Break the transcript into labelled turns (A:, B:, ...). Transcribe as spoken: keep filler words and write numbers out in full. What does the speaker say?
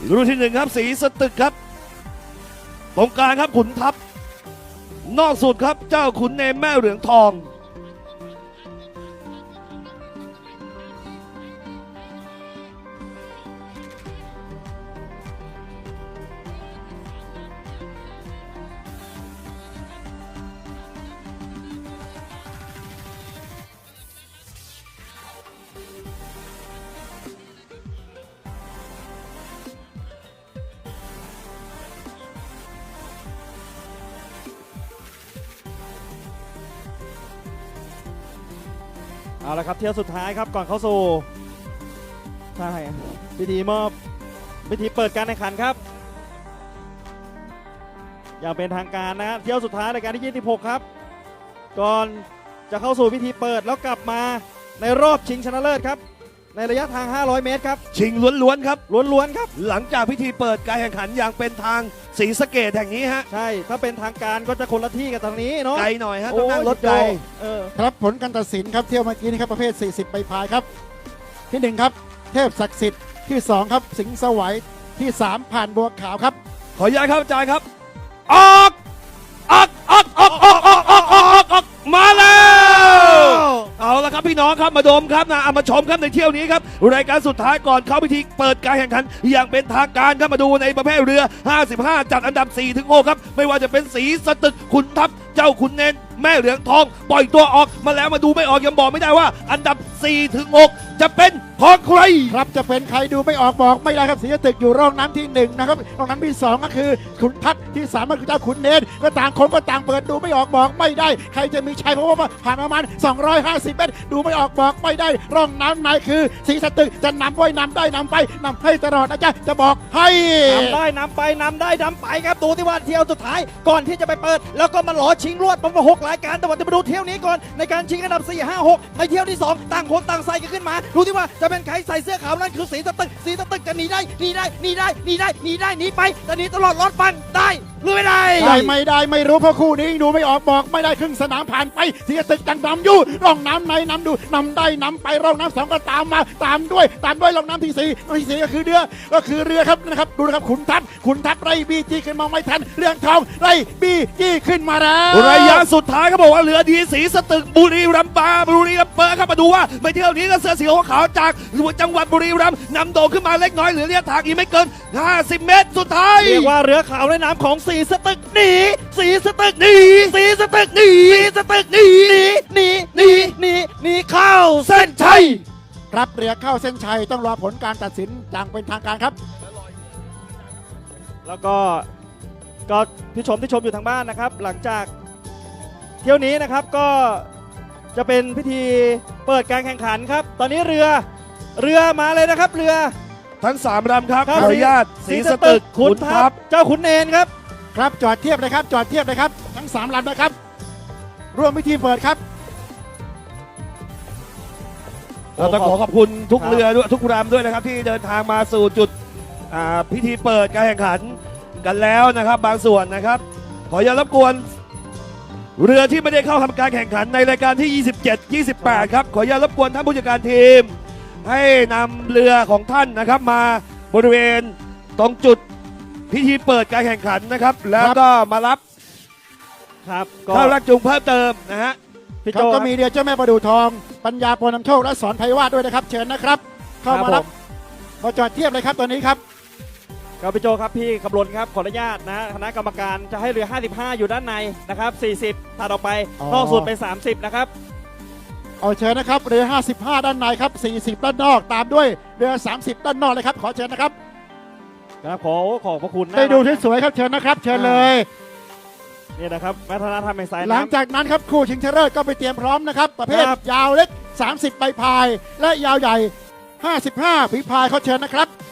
A: รุ่นที่หนึ่งครับสีสตึกครับตรงกลางครับขุนทัพนอกสุดครับเจ้าขุนเนมแม่เหลืองทอง
B: เอาละครับเที่ยวสุดท้ายครับก่อนเข้าสู่ใช่พิธีมอบพิธีเปิดการแข่งขันครับอย่างเป็นทางการนะเที่ยวสุดท้ายรายการที่ยี่สิบหกครับก่อนจะเข้าสู่พิธีเปิดแล้วกลับมาในรอบชิงชนะเลิศครับในระยะทางห้าร้อยเมตรครับ
A: ชิงล้วนๆครับ
B: ล้วนๆครับ
A: หลังจากพิธีเปิดการแข่งขันอย่างเป็นทางศรีสะเกษแห่งนี้ฮะ
B: ใช่ถ้าเป็นทางการก็จะคนละที่กับทางนี้เนาะ
A: ไกลหน่อยฮะต้องนั่งรถไกล
C: ครับผลการตัดสินครับเที่ยวเมื่อกี้นี้ครับประเภทสี่สิบใบพายครับที่หนึ่งครับเทพศักดิ์สิทธิ์ที่สองครับสิงห์สวัยที่สามผ่านบัวขาวครับ
A: ขออนุญาตครับอาจารย์ครับออกออกออกออกออกออกออกออกออกมาแล้วเอาละครับพี่น้องครับมาดมครับนะเอามาชมครับในเที่ยวนี้ครับรายการสุดท้ายก่อนเข้าพิธีเปิดการแข่งขันอย่างเป็นทางการครับมาดูในประเภทเรือห้าสิบห้าจัดอันดับ สี่ถึงหก ครับไม่ว่าจะเป็นสีสตึกขุนทัพเจ้าขุนเนนแม่เหลืองทองปล่อยตัวออกมาแล้วมาดูไม่ออกยังบอกไม่ได้ว่าอันดับ สี่ถึงหก จะเป็นของใคร
C: ครับจะเป็นใครดูไม่ออกบอกไม่ได้ครับสีสตึกอยู่ร่องน้ำที่หนึ่งนะครับร่องน้ำที่สองก็คือขุนทัพที่สามก็คือเจ้าขุนเนนก็ต่างคนก็ต่างเปิดดูไม่ออกบอกไม่ได้ใครจะมีชัยเพราะว่าผ่านประมาณสองร้อยห้าสิบเมตรดูไม่ออกบอกไม่ได้ร่องน้ำไหนคือสีสตึกจะนำไว้นำได้นำไปนำให้ตลอดนะจ๊ะจะบอกให้
B: นำได้นำไปนำได้นำไปครับดูที่ว่าเที่ยวสุดท้ายก่อนที่จะไปเปิดแล้วก็มาหลอชิงรวดประมาณหกรายการแต่ว่าจะมาดูเที่ยวนี้ก่อนในการชิงอันดับสี่ ห้า หกในเที่ยวที่สองต่างคนต่างใส่กันขึ้นมาดูที่ว่าจะเป็นใครใส่เสื้อขาวนั่นคือสีสตึกสีสตึกจะหนีได้หนีได้หนีได้หนีได้หนีได้หนีไปจะหนีตลอดรอดฟันได้หรือไม่ได้
C: ได้ไม่ได้ไม่รู้เพราะคู่นี้ดูไม่ออกบอกไม่ได้ครึ่งสนามผ่านไปสีสตึกจังนำอยู่ร่องน้ำในนำดูนำได้นำไปร่องน้ำสองก็ตามมาตามด้วยตามด้วยร่องน้ำที่สี่ที่สี่ก็คือเรือก็คือเรือครับนะครับดูนะครับขุนทัพขุนทัพไล่บีจีขึ้นมาไม่ทันเรื่องทองไล่บีจีขึ้นมาแล้ว
A: ระยะสุดท้ายเขาบอกว่าเรือดีสีสตึกบุรีรัมย์บาบุรีรัมย์เปิดครับมาดูว่าไปเที่ยวนี้ก็เสื้อสีขาวจากจังหวัดบุรีรัมย์นำโด่งขึ้นมาเล็กน้อยเหลือระยะทางอีกไม่เกินห้าสิบเมตรสุดท้าย
B: เรียกว่าเรือขาวในน้ำของสีสตึกหนีสีสตึกหนีสีสตึกหนีสีสตึกหนีหนีหนีหนีหนีเข้าเส้นชัย
C: ครับเรือเข้าเส้นชัยต้องรอผลการตัดสินอย่างเป็นทางการครับ
B: แล้วก็ก็ผู้ชมที่ชมอยู่ทางบ้านนะครับหลังจากเที่ยวนี้นะครับก็จะเป็นพิธีเปิดการแข่งขันครับตอนนี้เรือเรือมาเลยนะครับเรือ
A: ทั้งสามลำครับขออนุญาตสีสตึกขุนทัพ
B: เจ้าขุนเนนครับ
C: ครับจอดเทียบเลยครับจอดเทียบเลยครับทั้งสามลำนะครับร่วมพิธีเปิดครับ
A: เราต้องขอขอบคุณทุกเรือด้วยทุกลำด้วยนะครับที่เดินทางมาสู่จุดพิธีเปิดการแข่งขันกันแล้วนะครับบางส่วนนะครับขออย่ารบกวนเรือที่ไม่ได้เข้าทำการแข่งขันในรายการที่ยี่สิบเจ็ด ยี่สิบแปดครับขออย่ารบกวนท่านผู้จัดการทีมให้นำเรือของท่านนะครับมาบริเวณตรงจุดพิธีเปิดการแข่งขันนะครับแล้วก็มารับ
B: ครับ
A: เข้ารักจูงเพิ่มเติมนะฮะ
C: พี่โจก็มีเรือเจ้าแม่ประดู่ทองปัญญาปนำโชคและสอนไพวาทด้วยนะครับเชิญนะครับเข้ามารับมาจอดเทียบเลยครับตอนนี้ครับ
B: ครับพี่โจครับพี่ขบวนครับขออนุญาตนะคณะกรรมการจะให้เรือห้าสิบห้าอยู่ด้านในนะครับสี่สิบถัดออกไปนอกสุดไปสามสิบนะครับ
C: เอาเชิญนะครับเรือห้าสิบห้าด้านในครับสี่สิบด้านนอกตามด้วยเรือสามสิบด้านนอกเลยครับขอเชิญนะครับ
B: ครับขอขอบพระคุณ
C: ได้ดูที่สวยครับเชิญนะครับเชิญเลย
B: นี่นะครับวัฒนธรรมแห่งสายน้ำ
C: หลังจากนั้นครับคู่ชิงชนะเลิศก็ไปเตรียมพร้อมนะครับประเภทยาวเล็กสามสิบใบพายและยาวใหญ่ห้าสิบห้าฝีพายเขาเชิญนะครับ